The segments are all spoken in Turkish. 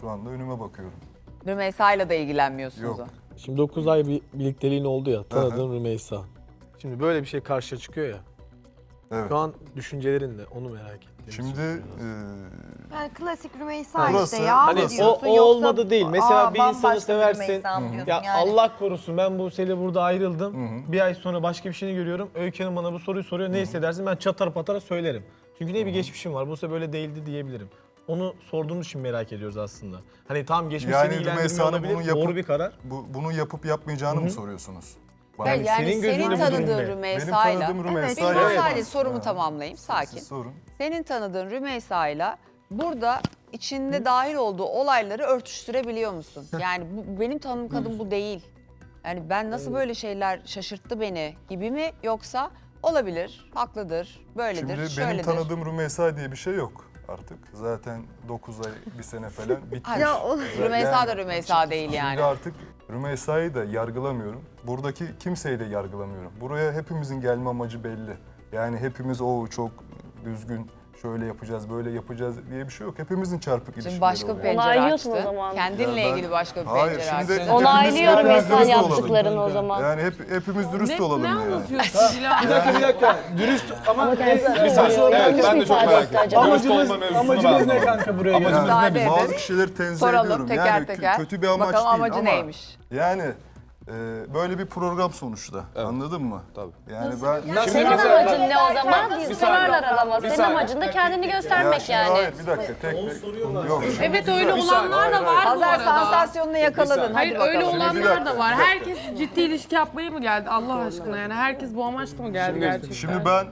Şu anda önüme bakıyorum. Rümeysa'yla da ilgilenmiyorsunuz. Yok. o. Şimdi 9 ay bir birlikteliğin oldu ya, tanıdığın Rümeysa. Şimdi böyle bir şey karşıya çıkıyor ya. Evet. Şu an düşüncelerin de onu merak ettim. Şimdi Yani klasik Rümeysa Burası- işte ya. Hani diyorsun, o yoksa, olmadı değil. Mesela bir bambaşka insanı seversin. Rümeysa mı diyorsun Ya yani? Allah korusun ben Buse'yle burada ayrıldım. Bir ay sonra başka bir şeyini görüyorum. Öykü Hanım bana bu soruyu soruyor. Ne hissedersin? Ben çatar patara söylerim. Çünkü ne bir geçmişim var. Buse böyle değildi diyebilirim. Onu sorduğumuz için merak ediyoruz aslında. Hani tamam geçmiş Yani seni ilgilendirmiyor Rümeysa'nın olabilir. bunu yapıp- Doğru bir karar. bunu yapıp yapmayacağını mı soruyorsunuz? Bana Yani senin gözünde senin bu durum tanıdığın ne? benim Rümeysa'yla... tanıdığım Benim Rümeysa'yla... sadece sorumu tamamlayayım, sakin. Siz sorun. Senin tanıdığın Rümeysa'yla burada içinde dahil olduğu olayları örtüştürebiliyor musun? Yani benim tanıdığım kadın bu değil. Yani ben nasıl böyle şeyler şaşırttı beni gibi mi, yoksa olabilir, haklıdır, böyledir, Şimdi benim şöyledir. tanıdığım Rümeysa diye bir şey yok artık. Zaten 9 ay, bir sene falan bitmiş. Ya o- Rümeysa da Rümeysa değil yani. Şimdi artık Rümeysa'yı da yargılamıyorum. Buradaki kimseyi de yargılamıyorum. Buraya hepimizin gelme amacı belli. Yani hepimiz o çok düzgün, şöyle yapacağız, böyle yapacağız diye bir şey yok. Hepimizin çarpık ilişkileri Şimdi başka bir oluyor. pencere Onaylıyorsun o açtı. zaman. Kendinle Ya ben- ilgili başka bir Hayır, pencere şimdi açtı. hepimiz- Onaylıyorum hepimiz mesela dürüst olalım. yaptıklarını o zaman. Yani hepimiz dürüst olalım yani. anlatıyorsun Dilan? Bir dakika. Dürüst ama Bir saniye. Evet, ben de çok merak ettim. Acaba? amacımız ne kanka buraya gelmek? Müsaade edin. Bazı kişileri tenzih Soralım ediyorum. teker Yani teker. kötü bir amaç Bakalım değil amacı ama neymiş? yani böyle bir program sonuçta. Anladın mı? Tabii. Yani ben Senin amacın ne o zaman? Biz sorarlar adama. Senin saniye. amacın da kendini ya göstermek şimdi yani. hayır bir dakika tek yok. şimdi Evet güzel. öyle olanlar da var bu Pazar arada. sansasyonunu yakaladın. Hayır Hadi öyle bakalım. bir olanlar dakika, da var. bir dakika. Herkes ciddi ilişki yapmaya mı geldi Allah aşkına yani? Herkes bu amaçla mı geldi gerçekten? Şimdi ben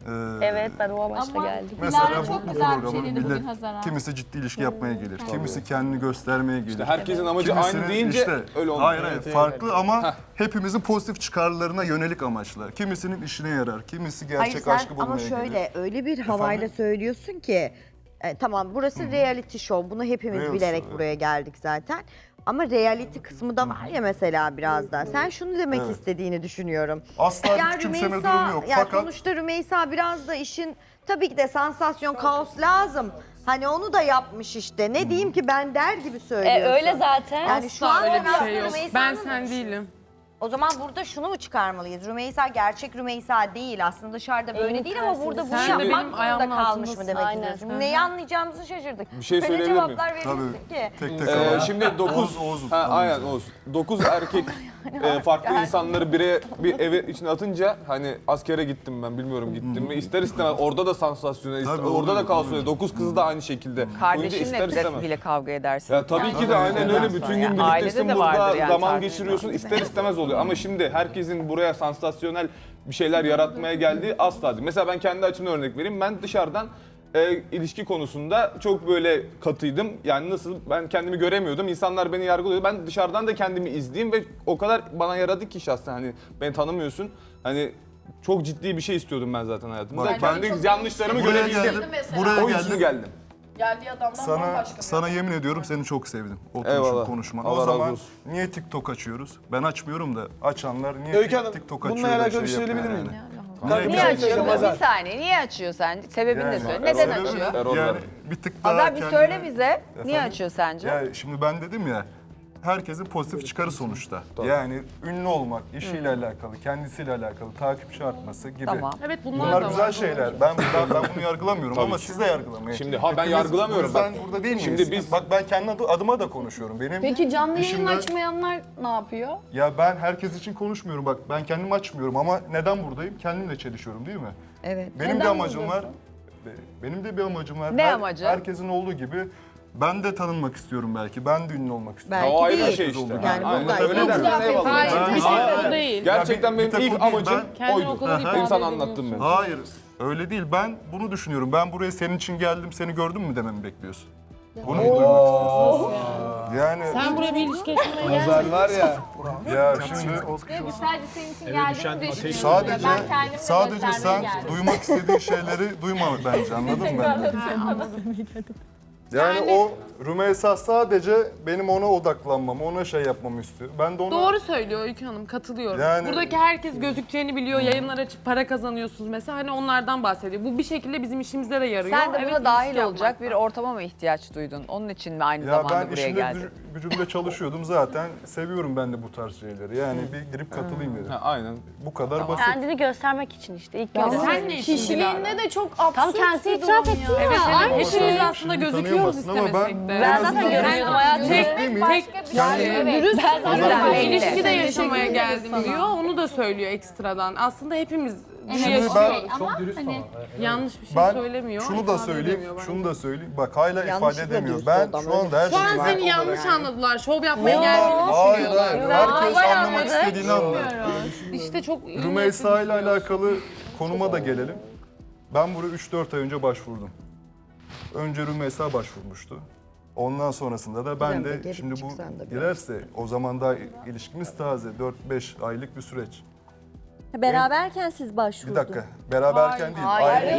Evet ben o amaçla geldim. mesela bu programın millet kimisi ciddi ilişki yapmaya gelir. Kimisi kendini göstermeye gelir. İşte herkesin amacı Kimisinin aynı deyince işte, öyle olmuyor. hayır farklı ama hepimizin pozitif çıkarlarına yönelik amaçlar. Kimisinin işine yarar, kimisi Hayır gerçek sen aşkı bulmaya ama gelir. şöyle öyle bir havayla söylüyorsun ki tamam burası reality show. Bunu hepimiz Reality bilerek show, evet. buraya geldik zaten. Ama reality kısmı da var ya mesela biraz da. Sen şunu demek Evet. istediğini düşünüyorum. Asla bir küçümseme durumu yok. yani Fakat sonuçta Rümeysa biraz da işin tabii ki de sansasyon, kaos lazım. Hani onu da yapmış işte. Ne diyeyim ki ben der gibi söylüyorsun. Öyle zaten. Yani şu Asla an öyle bir biraz şey yok. Rümeysa'nın- Ben sen değilim. O zaman burada şunu mu çıkarmalıyız? Rümeysa gerçek Rümeysa değil. Aslında dışarıda böyle değil ama burada bunu Sen yapmak benim zorunda ayağımın kalmış mı altındasın. demek Aynen. istiyorsun? Neyi anlayacağımızı şaşırdık. Bir şey Böyle söyleyebilir miyim? cevaplar verirsin ki. tek tek ama. Şimdi 9 Oğuz. aynen Oğuz. 9 erkek farklı insanları bir eve içine atınca hani askere gittim ben bilmiyorum gittim mi ister istemez orada da sansasyona Tabii, orada da oluyor, kaos oluyor. oluyor. 9 kızı da aynı şekilde. Olunca Kardeşinle bile kavga edersin. Ya tabii ki de aynen öyle bütün gün Ailede birliktesin de vardır burada yani zaman tartışma. geçiriyorsun ister istemez oluyor ama şimdi herkesin buraya sansasyonel bir şeyler yaratmaya geldiği asla değil. Mesela ben kendi açımdan örnek vereyim ben dışarıdan ilişki konusunda çok böyle katıydım. Yani nasıl ben kendimi göremiyordum. İnsanlar beni yargılıyordu. Ben dışarıdan da kendimi izleyeyim ve o kadar bana yaradı ki şahsen hani beni tanımıyorsun. Hani çok ciddi bir şey istiyordum ben zaten hayatımda. Bak, Kendi yanlışlarımı Buraya görebildim. geldim. Buraya O yüzden geldim. Geldiği adamdan Sana yemin ediyorum seni çok sevdim. Eyvallah. Konuşman. Allah O razı zaman olsun. niye TikTok açıyoruz? Ben açmıyorum da açanlar niye Öykü Hanım, TikTok açıyor? bununla da alakalı bir şey yapıyor söyleyebilir yani? miyim? Niye açıyor? Pazar. Bir saniye, niye açıyor sence? Sebebini de Yani söyle. Neden sebebi- açıyor? Erol'lar. Yani bir tık daha Pazar bir kendine- söyle bize. Niye Efendim? açıyor sence? Ya şimdi ben dedim ya, herkesin pozitif çıkarı sonuçta. Yani ünlü olmak, işiyle alakalı, kendisiyle alakalı, takipçi artması gibi. Tamam. Evet bunlar Bunlar da güzel var. şeyler. Ben bunu yargılamıyorum ama siz de yargılamayın. Şimdi ben Hepimiz yargılamıyorum. Ben Bak, burada değil miyiz? şimdi biz- Bak ben kendi adıma da konuşuyorum. Benim Peki canlı yayın dışımda- açmayanlar ne yapıyor? Ya ben herkes için konuşmuyorum. Bak ben kendim açmıyorum ama neden buradayım? Kendimle çelişiyorum değil mi? Evet. Benim bir Neden amacım var. buradasın? Benim de bir amacım var. Ne amacı? Herkesin olduğu gibi ben de tanınmak istiyorum belki. Ben de ünlü olmak istiyorum. Belki O ayrı bir değil. şey işte. Yani Aynen. burada Öyle yok. dersen eyvallah. Hayır Ben- bir tek Hayır. o değil. Gerçekten Ya benim bir tek ilk o değil, amacım Kendini oydu. o kadar ifade İnsan edemiyorsun. anlattım ben. Hayır. Öyle değil. Ben bunu düşünüyorum. Ben buraya senin için geldim, seni gördüm mü dememi bekliyorsun. Bunu mu duymak istiyorsun? Yani Sen buraya bir ilişki yaşamaya geldin. Pazar var ya. ya şimdi Sadece senin için geldiğimi düşünüyorum. sadece Ben kendimi sadece göstermeye sen geldim. duymak istediğin şeyleri duyma bence. Anladın mı? Yani o Rümeysa sadece benim ona odaklanmamı, ona şey yapmamı istiyor. Ben de ona... Doğru söylüyor Öykü Hanım, katılıyorum. Yani- Buradaki herkes gözükeceğini biliyor, yayınlar açıp para kazanıyorsunuz mesela. Hani onlardan bahsediyor. Bu bir şekilde bizim işimize de yarıyor. Sen de buna Evet, dahil ilişki olacak bir yapmaktan. ortama mı ihtiyaç duydun? Onun için mi aynı Ya zamanda ben buraya işimde geldin? gücümde çalışıyordum zaten. Seviyorum ben de bu tarz şeyleri. Yani bir girip katılayım dedim. Ha, aynen. Bu kadar basit. Kendini göstermek için işte. İlk Ya göre. sen ne işin Kişiliğinde de çok absürt Tam kendisi bir itiraf durum etti ya. ya. Evet, Ama hepimiz sen aslında şimdi gözüküyoruz tanıyamazsın ama istemesek de. Ben zaten azından- görünüyordum hayatım. Dürüstlüğüm için Ben belli. ilişkide yaşamaya geldim diyor. Onu da söylüyor ekstradan. Aslında hepimiz bunu Şimdi yaşıyoruz. Ama hani Yanlış bir şey ben söylemiyor. şunu da ifade söyleyeyim, edemiyor bence. şunu da söyleyeyim. Bak hala ifade Yanlışlıkla edemiyor. dürüst Ben oldu ama şu anda her Şu an şeyi... seni yanlış anladılar. Şov yapmaya Hayır, geldiğini hayır. düşünüyorlar. Herkes anlamak istediğini anlar. İşte çok iyi Rümeysa ile niyetli alakalı konuma da gelelim. Ben buraya 3-4 ay önce başvurdum. Önce Rümeysa başvurmuştu. Ondan sonrasında da ben Gizem de de gelip şimdi bu çıksan da biraz. girerse o zaman daha ilişkimiz taze 4-5 aylık bir süreç. Beraberken siz Bir başvurdunuz. dakika beraberken değil. Hayır.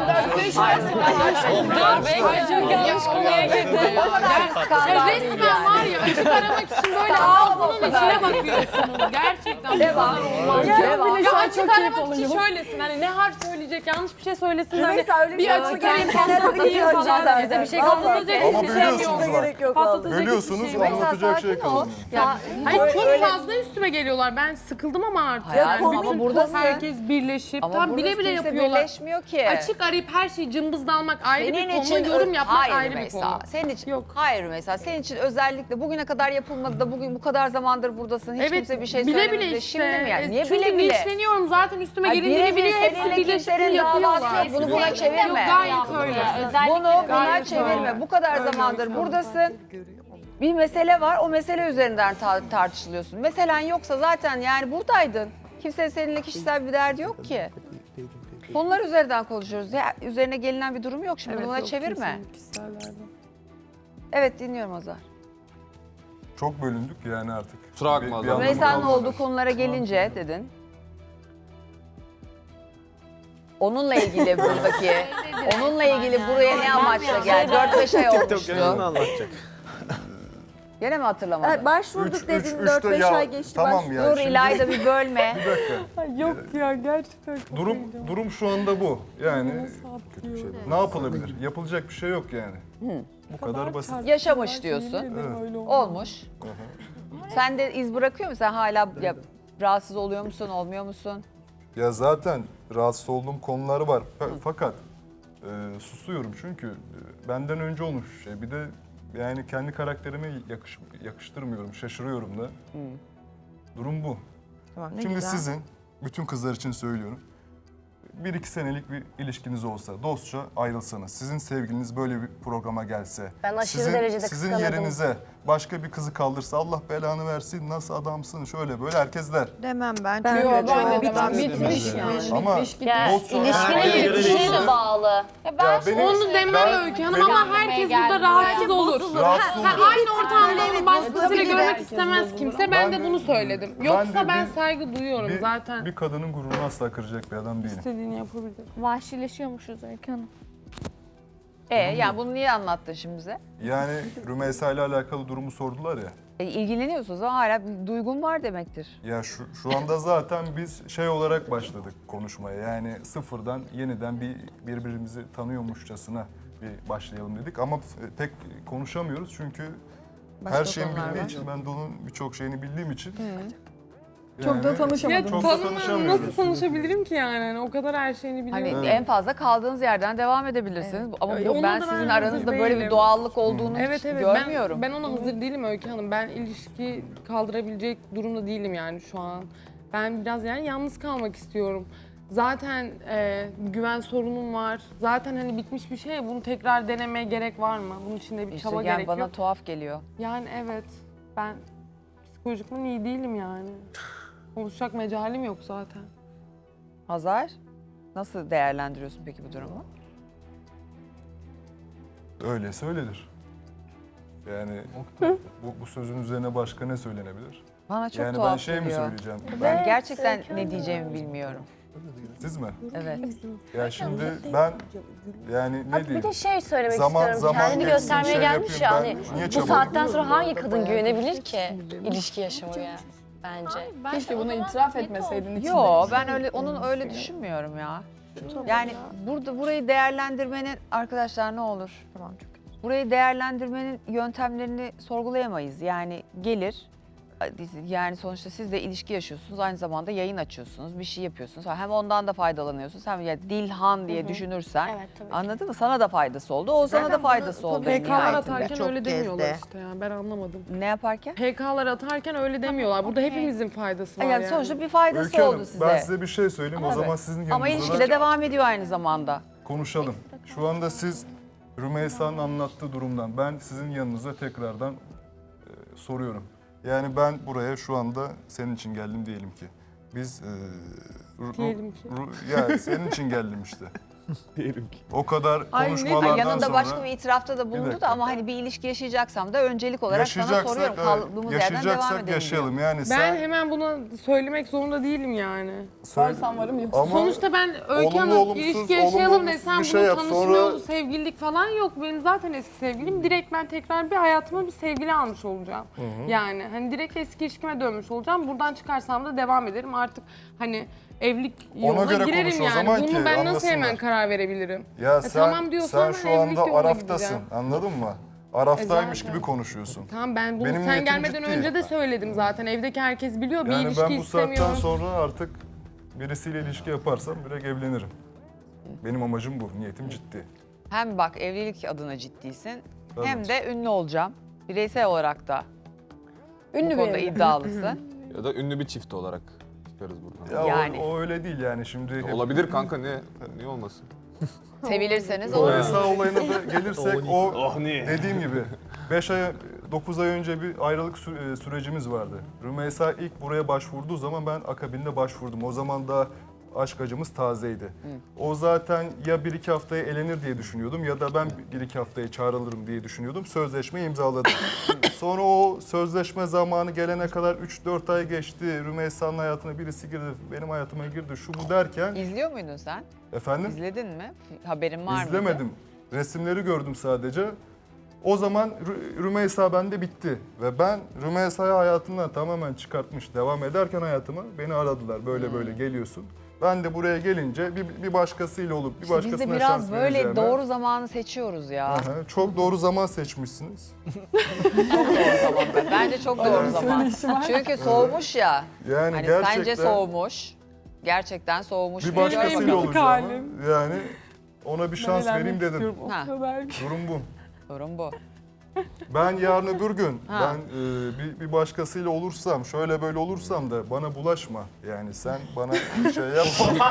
Resmen var ya açık aramak için böyle ağzının içine bakıyorsunuz. Gerçekten bu kadar olmaz. Ya açık aramak için şöylesin hani ne harf söyleyecek yanlış bir şey söylesin hani Rümeysa öyle bir açık arayayım patlatayım falan bize bir şey patlatacak Ama hiçbir şey bölüyorsunuz yok. bak. Gerek yok vallahi. Patlatacak Bölüyorsunuz hiçbir şey yok. anlatacak şey kalmıyor. Hayır çok fazla üstüme geliyorlar. Ben sıkıldım ama artık. Hayatım, Yani ama bütün buradasın. herkes birleşip Ama tam burada bile bile kimse yapıyorlar. birleşmiyor ki. Açık arayıp her şeyi cımbızlanmak ayrı Senin bir konu, için yorum yapmak hayır ayrı bir Rümeysa. konu. Senin için Yok. hayır Rümeysa. Senin için özellikle bugüne kadar yapılmadı da bugün bu kadar zamandır buradasın. Hiç kimse bir şey bile söylemedi. bile de işte. Şimdi mi yani? Niye Çünkü bile bile? linçleniyorum zaten üstüme Ay, gelindiğini biliyor. Hepsi seninle birleşip kimsenin davası yapıyorlar. yok. Bunu buna çevirme. Yok gayet öyle. Bunu buna Gayet çevirme. öyle. Bu kadar Öyle zamandır öyle. buradasın. Bir mesele var. O mesele üzerinden tartışılıyorsun. Meselen yoksa zaten yani buradaydın. Kimsenin seninle kişisel bir derdi yok ki. Konular üzerinden konuşuyoruz. Ya, üzerine gelinen bir durum yok. Şimdi Evet, buna yok, çevirme. kimsenin kişisel derdi. Evet dinliyorum Azar. Çok bölündük yani artık. Kusura bakma Bir Azar. anlamı Rümeysa'nın kalmadı. olduğu konulara gelince dedin. Onunla ilgili buradaki, onunla ilgili buraya ne amaçla geldi? 4-5 ay olmuştu. anlatacak. Gene mi hatırlamadın? Evet, başvurduk Üç- dedin üç- 4-5 ya, ay geçti. tamam başvurduk. ya. Dur şimdi- İlayda bir bölme. Bir dakika. Yok ya gerçekten. Durum şu anda bu. Yani ne yapılabilir? Yapılacak bir şey yok yani. Bu kadar basit. Yaşamış diyorsun. Olmuş. Sen de iz bırakıyor musun? Sen hala ya, rahatsız oluyor musun, olmuyor musun? Ya zaten rahatsız olduğum konuları var. Fakat susuyorum çünkü benden önce olmuş şey. Bir de yani kendi karakterime yakıştırmıyorum, şaşırıyorum da. Durum bu. Tamam, ne Şimdi güzel. sizin, bütün kızlar için söylüyorum. 1-2 senelik bir ilişkiniz olsa, dostça ayrılsanız, sizin sevgiliniz böyle bir programa gelse, Ben aşırı derecede sizin kıskanırdım. yerinize başka bir kızı kaldırsa Allah belanı versin, nasıl adamsın, şöyle böyle herkes der. Demem ben. Ben çünkü de çok demem. bitmiş yani. Ama Ya, dostça İlişkinin bitişine de bağlı. Ya benim- Onu demem ben- Öykü Hanım benim- ama herkes burada rahatsız olur. Rahatsız olur. Aynı ortamda onu başkasıyla görmek istemez kimse. Ben de Ben de- bunu söyledim. ben Yoksa de ben bir- saygı duyuyorum zaten. Bir kadının gururunu asla kıracak bir adam değilim. İstediğini yapabilir. vahşileşiyormuşuz Öykü Hanım. Yani bunu niye anlattın şimdi bize? Yani Rümeysa ile alakalı durumu sordular ya. İlgileniyorsunuz ama hala bir duygun var demektir. Ya şu anda zaten biz şey olarak başladık konuşmaya. Yani sıfırdan yeniden birbirimizi tanıyormuşçasına bir başlayalım dedik. Ama pek konuşamıyoruz çünkü Başka her şeyin konular bildiği var. için, ben de onun birçok şeyini bildiğim için. Çok da tanışamadım. Çok da tanışamıyoruz. Nasıl tanışabilirim ki yani? Hani o kadar her şeyini biliyorum. Hani en fazla kaldığınız yerden devam edebilirsiniz. Ama Ona ben da sizin ben aranızda hazır böyle bir değilim. doğallık olduğunu hiç Evet görmüyorum. ben ona hazır değilim Öykü Hanım. Ben ilişki kaldırabilecek durumda değilim yani şu an. Ben biraz yani yalnız kalmak istiyorum. Zaten güven sorunum var. Zaten hani bitmiş bir şey. Bunu tekrar denemeye gerek var mı? Bunun için de bir İşte çaba yani gerekiyor. bana tuhaf geliyor. Yani evet. Ben psikolojikman iyi değilim yani. Konuşacak mecalim yok zaten. Hazar, nasıl değerlendiriyorsun peki bu durumu? Öyleyse öyledir. Yani bu sözün üzerine başka ne söylenebilir? Bana çok Yani ben tuhaf şey mi geliyor. söyleyeceğim? Ben gerçekten ne diyeceğimi bilmiyorum. Siz mi? Evet. Ya şimdi ben yani ne Bir diyeyim? de şey söylemek Zaman istiyorum. Kendini geçsin, göstermeye şey gelmiş ya. yapayım, Hani ben niye bu çabalayayım? saatten sonra hangi kadın güvenebilir ki ilişki yaşamaya? Bence. Keşke bunu itiraf etmeseydin. Yo ben öyle düşünmüyorum ya. Yani burayı değerlendirmenin arkadaşlar ne olur? Burayı değerlendirmenin yöntemlerini sorgulayamayız. Yani gelir yani sonuçta siz de ilişki yaşıyorsunuz, aynı zamanda yayın açıyorsunuz, bir şey yapıyorsunuz. Hem ondan da faydalanıyorsunuz. Hem ya Dilhan diye düşünürsen Evet, tabii ki. anladın mı? Sana da faydası oldu, Oğuzhan'a da faydası oldu. en PK'lar nihayetinde. atarken Çok öyle demiyorlar gezdi. işte yani ben anlamadım. Ne yaparken? PK'lar atarken öyle demiyorlar. Burada hepimizin faydası var Yani sonuçta bir faydası Öykü Hanım, oldu size. ben size bir şey söyleyeyim. O zaman sizin Ama yanınızda ilişki de devam ediyor aynı zamanda. konuşalım. Şu anda siz Rümeysa'nın anlattığı durumdan ben sizin yanınıza tekrardan soruyorum. Yani ben buraya şu anda senin için geldim diyelim ki. Biz Diyelim ki. ya senin için geldim işte. Diyelim ki. O kadar Ay, ne- konuşmalardan Yanında sonra başka bir itirafta da bulundu dakika. da ama hani bir ilişki yaşayacaksam da öncelik olarak sana soruyorum. Kaldığımız yerden devam yaşayacaksak edelim yaşayalım. Yani Ben sen hemen bunu söylemek zorunda değilim yani. Varsan varım yok. ama Sonuçta ben Öykü olumlu, Hanım olumsuz, ilişki olumlu, yaşayalım olumsuz desem bir şey bunun yap, tanışma sonra- yolu, sevgililik falan yok. Benim zaten eski sevgilim. Direkt ben tekrar bir hayatıma bir sevgili almış olacağım. Yani hani direkt eski ilişkime dönmüş olacağım. Buradan çıkarsam da devam ederim. Artık hani evlilik yoluna göre girerim konuş o yani. zaman Bunu ki ben nasıl anlasınlar. hemen karar verebilirim? ya sen, tamam diyorsan sen şu ben evlilik anda yoluna Araf'tasın. gideceğim. Anladın mı? Araftaymış zaten. gibi konuşuyorsun. Tamam ben bunu Benim sen niyetim gelmeden ciddi. önce de söyledim zaten. Evdeki herkes biliyor. Bir Yani ilişki ben bu saatten istemiyorum. sonra artık birisiyle ilişki yaparsam direkt evlenirim. Benim amacım bu. Niyetim ciddi. Hem bak evlilik adına ciddisin Tabii. hem de ünlü olacağım. Bireysel olarak da Ünlü bu bir konuda evli. iddialısın. Ya da ünlü bir çift olarak çıkarız buradan. Ya Yani. o öyle değil yani şimdi. Olabilir kanka, niye olmasın? Sevilirseniz olur. Rümeysa olayına da gelirsek o Oh ne? dediğim gibi 9 ay önce bir ayrılık sürecimiz vardı. Rümeysa ilk buraya başvurduğu zaman ben akabinde başvurdum. O zaman da aşk acımız tazeydi. O zaten ya 1-2 haftaya elenir diye düşünüyordum ya da ben 1-2 haftaya çağrılırım diye düşünüyordum. Sözleşmeyi imzaladım. Sonra o sözleşme zamanı gelene kadar 3-4 ay geçti. Rümeysa'nın hayatına birisi girdi, benim hayatıma girdi, şu bu derken. İzliyor muydun sen? Efendim? İzledin mi? Haberin var mıydı? İzlemedim. Resimleri gördüm sadece. O zaman Rümeysa bende bitti. Ve ben Rümeysa'yı hayatımdan tamamen çıkartmış. Devam ederken hayatıma beni aradılar. Böyle böyle geliyorsun. Ben de buraya gelince bir başkasıyla olup bir İşte başkasına biz de şans biraz böyle vereceğime- doğru zamanı seçiyoruz ya. Aha, çok doğru zaman seçmişsiniz. Bence çok doğru zaman. Çünkü soğumuş ya. Yani Hani gerçekten sence soğumuş. Gerçekten soğumuş. bir Benim başkasıyla bitik olacağım. halim. Yani ona bir şans Neler vereyim dedim. istiyorum o Ha. kadar. Durum bu. Sorun bu. Ben yarın öbür gün Ha. ben bir başkasıyla olursam, şöyle böyle olursam da bana bulaşma. Yani sen bana bir şey yapma.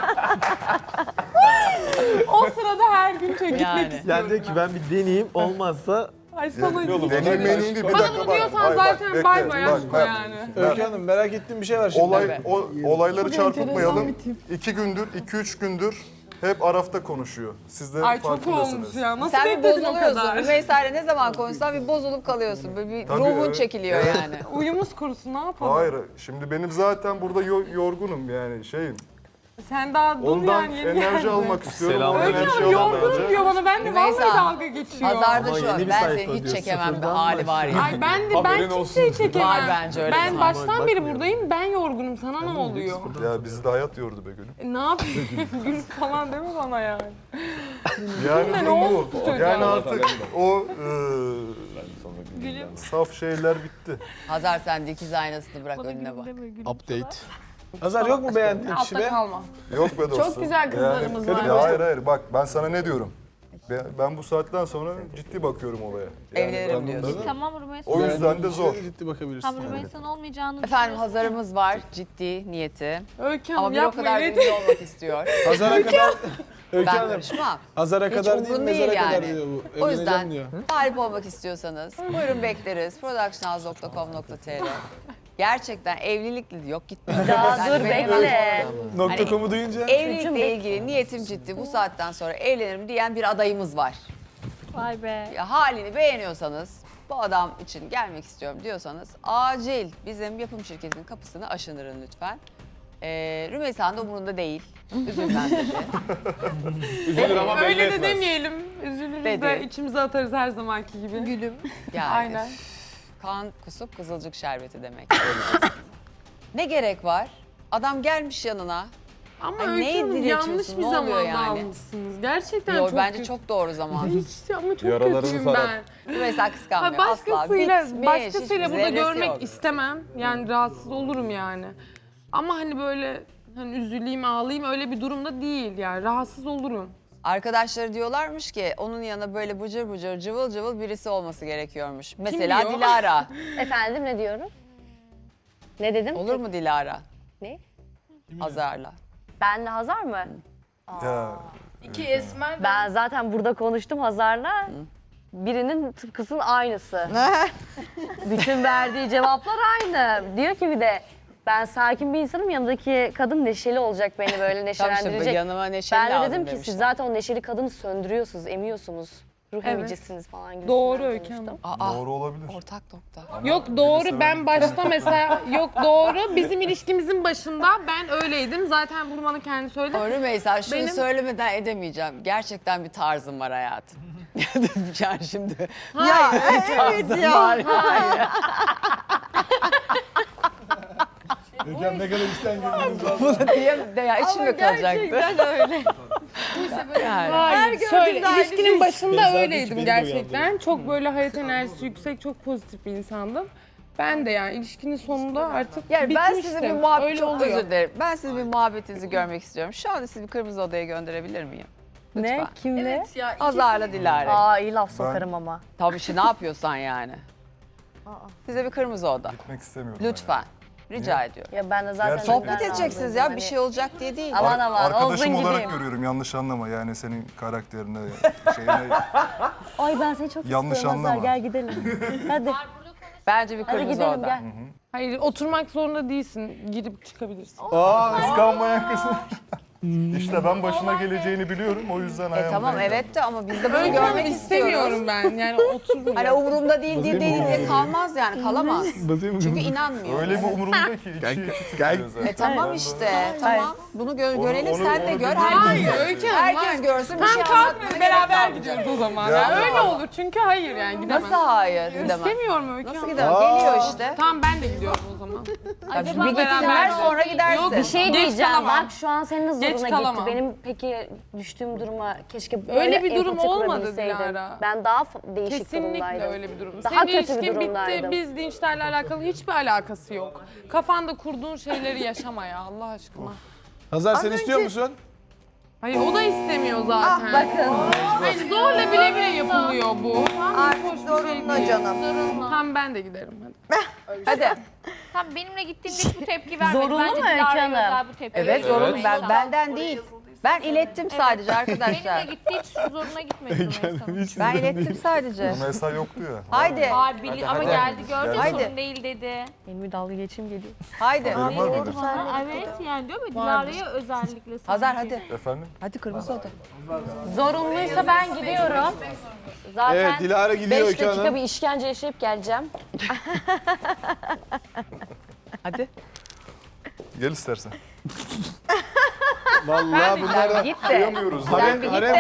O sırada her gün gitmek Yani. istiyorum. Yani diyor ki ben bir deneyeyim olmazsa Ay sana Deneyim meneyim bir Bana dakika bunu bak. diyorsan Hayır, bak, zaten bekle, bay bay bak, aşk o bak. yani. Öykü Hanım merak ettiğim bir şey var şimdi. Olayları enteresan çarpıtmayalım. bir tip. 2 gündür, 2-3 gündür hep Araf'ta konuşuyor. Siz de Ay çok farkındasınız. olmuş ya. Nasıl Sen bir bekledin o bozuluyorsun. kadar? Rümeysa'yla ne zaman konuşsan bir bozulup kalıyorsun. Böyle bir Tabii, ruhun evet. çekiliyor yani. Uyumuz kurusu ne yapalım? Hayır, şimdi benim zaten burada yorgunum yani şeyim. Sen daha dur Ondan yani yeni enerji geldin. almak istiyorum. Selam. O Öykü enerji Hanım alamam yorgunum önce. diyor bana. Ben de Rümeysa, vallahi dalga geçiyor. Hazarda Ama şu yeni an bir ben sayfa seni hiç diyor, çekemem bir sıfırdan hali var ya. Ay ben Haberin kimseyi olsun. çekemem. Var bence öyle Ben bir baştan beri bakmıyorum. buradayım. Ben yorgunum. Sana ne oluyor? Ya bizi de hayat yordu be gülüm. Ne yapayım? Gül falan deme bana yani. Yani Ne durum oldu bu. çocuğa? Yani artık o Gülüm. saf şeyler bitti. Hazar sen dikiz aynasını bırak önüne bak. Update. Hazar yok mu beğendiğin kişi Altta be? kalma. Yok be dostum. güzel kızlarımız var. Ya hayır bak ben sana ne diyorum. Ben bu saatten sonra ciddi bakıyorum olaya. Evlenirim ben- diyorsun. Tamam Rümeysa. O yüzden de zor. Ciddi bakabilirsin. Tamam Rümeysa'nın olmayacağını Efendim Hazar'ımız var ciddi niyeti. Öykü Ama Hanım bir o yapma kadar öyle. ünlü olmak istiyor. Hazar'a kadar Öykü Ben Hanım. karışmam. Hazar'a Hiç kadar değil umurun mezara değil kadar yani. diyor bu. O Evleneceğim yüzden diyor. talip olmak istiyorsanız buyurun bekleriz. productionhouse.com.tr Gerçekten evlilikli yok gitmiyor. Daha dur benim- bekle. .com'u duyunca Evlilikle ilgili niyetim ciddi. Bu saatten sonra evlenirim diyen bir adayımız var. Vay be. Ya halini beğeniyorsanız, bu adam için gelmek istiyorum diyorsanız acil bizim yapım şirketinin kapısını aşındırın lütfen. Rümeysa'nın da umurunda değil. Üzülmem dedi. Üzülür ama belli Öyle de etmez. demeyelim. Üzülürüz Dedi. de içimize atarız her zamanki gibi. Gülüm. Yani Aynen. kan kusup kızılcık şerbeti demek. Ne gerek var? Adam gelmiş yanına. Ama Ay, Öykü neyi Hanım diletiyorsun? yanlış bir Ne oluyor zamanda yani? almışsınız. Gerçekten Yo, çok bence kötü. çok doğru zaman. Hiç ama çok Yaralarını kötüyüm sarar. ben. Rümeysa kıskanmıyor. Ha, Asla. başkasıyla Bitmiş, başkasıyla hiçbir burada zerresi görmek yok. istemem. Yani rahatsız olurum yani. Ama hani böyle hani üzüleyim, ağlayayım öyle bir durumda değil yani. Rahatsız olurum. Arkadaşları diyorlarmış ki onun yanına böyle bıcır bıcır cıvıl cıvıl birisi olması gerekiyormuş. Mesela diyor? Dilara. Efendim ne diyorum? Ne dedim? Olur mu Dilara? Ne? Hazar'la. Benle Hazar mı? Ya İki esmer de Ben zaten burada konuştum Hazar'la. Birinin tıpkısının aynısı. Bütün verdiği cevaplar aynı. Diyor ki bir de ben sakin bir insanım, yanındaki kadın neşeli olacak, beni böyle Tam neşelendirecek. işte yanıma neşeli Ben de lazım dedim ki demişler. siz zaten o neşeli kadını söndürüyorsunuz, emiyorsunuz. Ruh Evet. emicisiniz falan gibi. Doğru Öykü Hanım. Aa, doğru olabilir. ortak nokta. Yok doğru, ben başta mesela yok doğru, bizim ilişkimizin başında ben öyleydim. Zaten bunu bana kendi söyledi. Ama Rümeysa şunu Benim- söylemeden edemeyeceğim. Gerçekten bir tarzım var hayatım. Yani şimdi. Ya evet ya. Gökhan ne kadar işten geldiğiniz var. Bunu diyemem de ya içimde kalacaktı. öyle. Yani. Hayır, gördüğümde şöyle aynı ilişkinin başında Beyza öyleydim beni de gerçekten. Çok böyle hayat enerjisi yüksek, çok pozitif bir insandım. Ben de yani ilişkinin sonunda artık Yani ben bitmiştim. sizin bir muhabbet, Öyle çok oluyor. özür dilerim. Ben sizin bir muhabbetinizi görmek istiyorum. Şu anda sizi bir kırmızı odaya gönderebilir miyim? Lütfen. Ne? Kimle? evet ya. Hazar'la Dilara. Aa iyi laf sokarım ama. Tabii ki ne yapıyorsan yani. Size bir kırmızı oda. Gitmek istemiyorum. Lütfen. Rica ediyorum. Ya ben de zaten Gerçekten. Sohbet neden edeceksiniz razıyım? ya. Hani- Bir şey olacak diye değil. Aman aman olsun Arkadaşım olarak gideyim. görüyorum, yanlış anlama yani senin karakterine, şeyine. Ay ben seni çok Yanlış istiyorum Hazar, anlama. gel gidelim. Hadi. Bence bir Hadi kırmızı gidelim oda. gel. Hayır, oturmak zorunda değilsin. Girip çıkabilirsin. Aa, kıskanmayan kız. İşte ben başına geleceğini biliyorum, o yüzden ayağımı Tamam denk aldım. evet de ama biz de bunu Öykü Hanım görmek istemiyorum istiyoruz. ben. Yani otururum. Hani umurumda değil diye kalmaz yani kalamaz. Çünkü inanmıyor. Öyle mi umurumda ki? İçi tutuyor zaten. Tamam Ben de- işte tamam. Bunu görelim onu- sen de onu gör. bilmiyorum. Herkes, Hayır Öykü Hanım. herkes hayır. görsün bir Tam şey kalkmıyor, anlatmaya beraber gerek kalmayacak. gidiyoruz o zaman. Ya. Ya. Öyle olur çünkü hayır yani gidemem. Nasıl hayır gidemem. İstemiyorum Öykü Nasıl Hanım. gidemem? Geliyor işte. Tamam ben de gidiyorum o zaman. Ya bir beraber gitsinler gidelim. sonra gidersin. Yok, Bir şey Geç diyeceğim. kalamam. Bak şu an senin Geç zoruna gitti. kalamam. Benim peki düştüğüm duruma keşke böyle Öyle bir durum empati olmadı kurabilseydim. Dilara. Ben daha değişik Kesinlikle durumdaydım. öyle bir durum. Daha Senin kötü bir ilişkin bitti. durumdaydım. Biz dinçlerle alakalı hiçbir alakası yok. Kafanda kurduğun şeyleri yaşama ya Allah aşkına. Hazar sen istiyor musun? Hayır o da istemiyor zaten. Bakın Hayır, zorla bile bile yapılıyor bu. artık Hoş bir şey zorunlu değil. canım. Tamam ben de giderim hadi. Hadi. Tam benimle gittiğimde hiç bu tepki vermedi. Zorunlu Bence mu Öykü Dilara'ya Hanım? özel bu tepki. Evet zorunlu. Rümeysa. Benden değil. Ben ilettim sadece arkadaşlar. Benimle gitti hiç zoruna gitmedi Rümeysa'nın. Ben ilettim sadece. Rümeysa yoktu ya. Haydi. Var ama geldi gördün Haydi. sorun değil dedi. Benim bir dalga geçim geliyor. Haydi. Var mıydı? Evet yani diyor mu Dilara'ya özellikle. Hazar hadi. Efendim? Hadi kırmızı oda. Zorunluysa ben gidiyorum. Zaten Evet Dilara gidiyor 5 Öykü dakika Hanım. bir işkence yaşayıp geleceğim. Hadi. Gel istersen. Vallahi bunlara Git de. Duyamıyoruz. Sen bir git de.